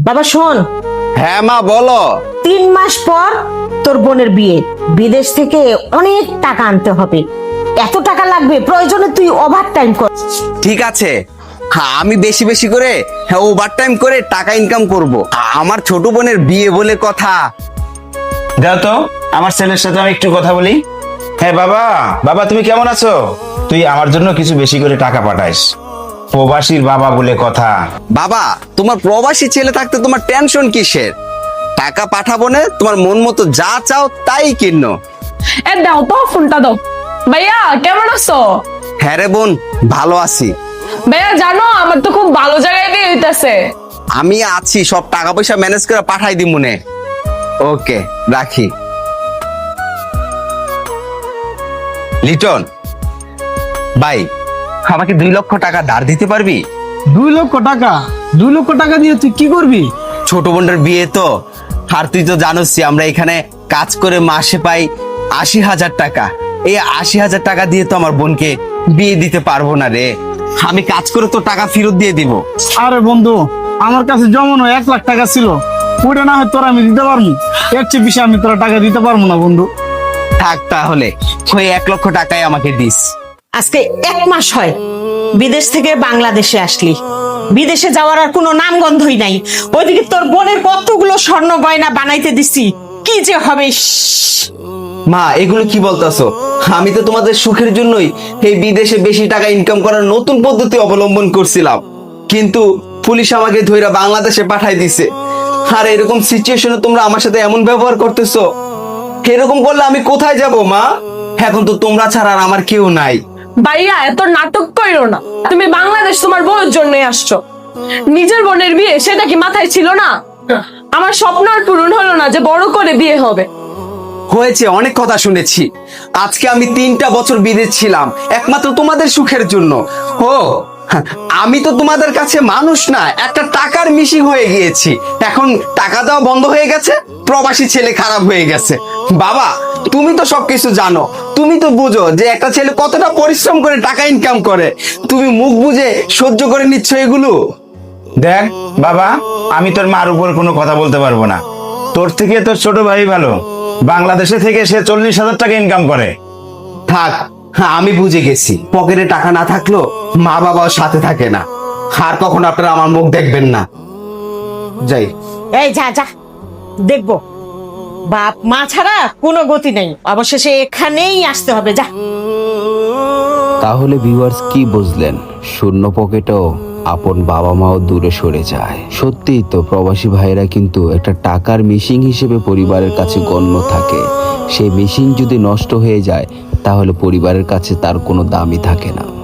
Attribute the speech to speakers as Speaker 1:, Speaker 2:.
Speaker 1: বাবা শোন,
Speaker 2: হ্যাঁ মা বলো।
Speaker 1: 3 মাস পর তোর বোনের বিয়ে, বিদেশ থেকে অনেক টাকা আনতে হবে। এত টাকা লাগবে, প্রয়োজনে তুই ওভার টাইম কর।
Speaker 2: ঠিক আছে, হ্যাঁ আমি বেশি বেশি করে ওভার টাইম করে টাকা ইনকাম করব। আমার ছোট বোনের বিয়ে বলে কথা।
Speaker 3: দাও তো আমার ছেলের সাথে আমি একটু কথা বলি। হ্যাঁ বাবা, বাবা তুমি কেমন আছো? তুই আমার জন্য কিছু বেশি করে টাকা পাঠাইস, প্রবাসীর বাবা বলে কথা।
Speaker 2: বাবা, তোমার প্রবাসী ছেলে থাকতে তোমার টেনশন কিসের? টাকা পাঠাবো না, তোমার মন মতো যা চাও তাই কিনো।
Speaker 4: দাও তো ফোনটা দাও। ভাইয়া কেমন আছো?
Speaker 2: হ্যাঁ রে বোন, ভালো আছি।
Speaker 4: ভাইয়া জানো আমার তো খুব ভালো জায়গায় বিয়ে হইতাছে।
Speaker 2: আমি আছি, সব টাকা পয়সা ম্যানেজ করে পাঠাই দি মনে। ওকে রাখি। লিটন ভাই, আমাকে 2 লক্ষ টাকা ধার দিতে পারবি?
Speaker 5: 2 লক্ষ টাকা? 2 লক্ষ টাকা দিয়ে তুই কি করবি?
Speaker 2: ছোট বোনের বিয়ে তো, আর তুই তো জানোসই আমরা এখানে কাজ করে মাসে পাই 80,000 টাকা। এই 80,000 টাকা দিয়ে তো আমার বোনকে বিয়ে দিতে পারবো না রে। আমি কাজ করে তো টাকা ফেরত দিয়ে দিব।
Speaker 5: আরে বন্ধু, আমার কাছে জমানো 1 লাখ টাকা ছিল, ওটা না হয় তোরা আমি দিতে পারবো। এর চেয়ে বেশি আমি তোরা টাকা দিতে পারবো না বন্ধু।
Speaker 2: থাক তাহলে, ওই 1 লক্ষ টাকাই আমাকে দিস।
Speaker 1: আজকে 1 মাস হয় বিদেশ থেকে বাংলাদেশে আসলি, বিদেশে যাওয়ার আর কোনো নামগন্ধই নাই। ওইদিকে তোর বোনের কতগুলো স্বর্ণ গয়না বানাইতে দিছি, কি যে হবে।
Speaker 2: মা এগুলো কি বলতাছো? আমি তো তোমাদের সুখের জন্যই এই বিদেশে বেশি টাকা ইনকাম করার নতুন পদ্ধতি অবলম্বন করছিলাম, কিন্তু পুলিশ আমাকে ধইরা বাংলাদেশে পাঠাই দিছে। আর এরকম সিচুয়েশনে তোমরা আমার সাথে এমন ব্যবহার করতেছো, এরকম করলে আমি কোথায় যাব মা? এখন তো তোমরা ছাড়া আর আমার কেউ নাই।
Speaker 4: ভাইয়া এত নাটক কইরো না। তুমি বাংলাদেশ তোমার বউয়ের জন্য আসছো, নিজের বোনের বিয়ে সেটা কি মাথায় ছিল না? আমার স্বপ্ন আর পূরণ হলো না যে বড় করে বিয়ে হবে।
Speaker 2: হয়েছে, অনেক কথা শুনেছি। আজকে আমি 3টা বছর বিদেশ ছিলাম একমাত্র তোমাদের সুখের জন্য। ও আমি তো তোমাদের কাছে মানুষ না, একটা টাকার মিশিং হয়ে গিয়েছি। এখন টাকা দেওয়া বন্ধ হয়ে গেছে, প্রবাসী ছেলে খারাপ হয়ে গেছে। বাবা তুমি তো সবকিছু জানো, তুমি তো বুঝো যে একটা ছেলে কতটা পরিশ্রম করে টাকা ইনকাম করে। তুমি মুখ বুঝে সহ্য করে নিচ্ছ এগুলো।
Speaker 3: দেখ বাবা, আমি তোর মার উপর কোনো কথা বলতে পারবো না। তোর থেকে তোর ছোট ভাই ভালো, বাংলাদেশে থেকে সে 40,000 টাকা ইনকাম করে।
Speaker 2: থাক, হ্যাঁ আমি বুঝে গেছি, পকেটে টাকা না থাকলেও মা বাবাও সাথে থাকে না। আর কখন আপনারা আমার মুখ দেখবেন না। যাই।
Speaker 1: এই যা যা, দেখবো বাপ মা ছাড়া কোনো গতি নেই, অবশেষে এখানেই আসতে হবে, যা।
Speaker 6: তাহলে ভিউয়ার্স কি বুঝলেন? শূন্য পকেটেও আপন বাবা মাও দূরে সরে যায়। সত্যিই তো, প্রবাসী ভাইরা কিন্তু একটা টাকার মেশিন হিসেবে পরিবারের কাছে গণ্য থাকে। সেই মেশিন যদি নষ্ট হয়ে যায় তাহলে পরিবারের কাছে তার কোনো দামই থাকে না।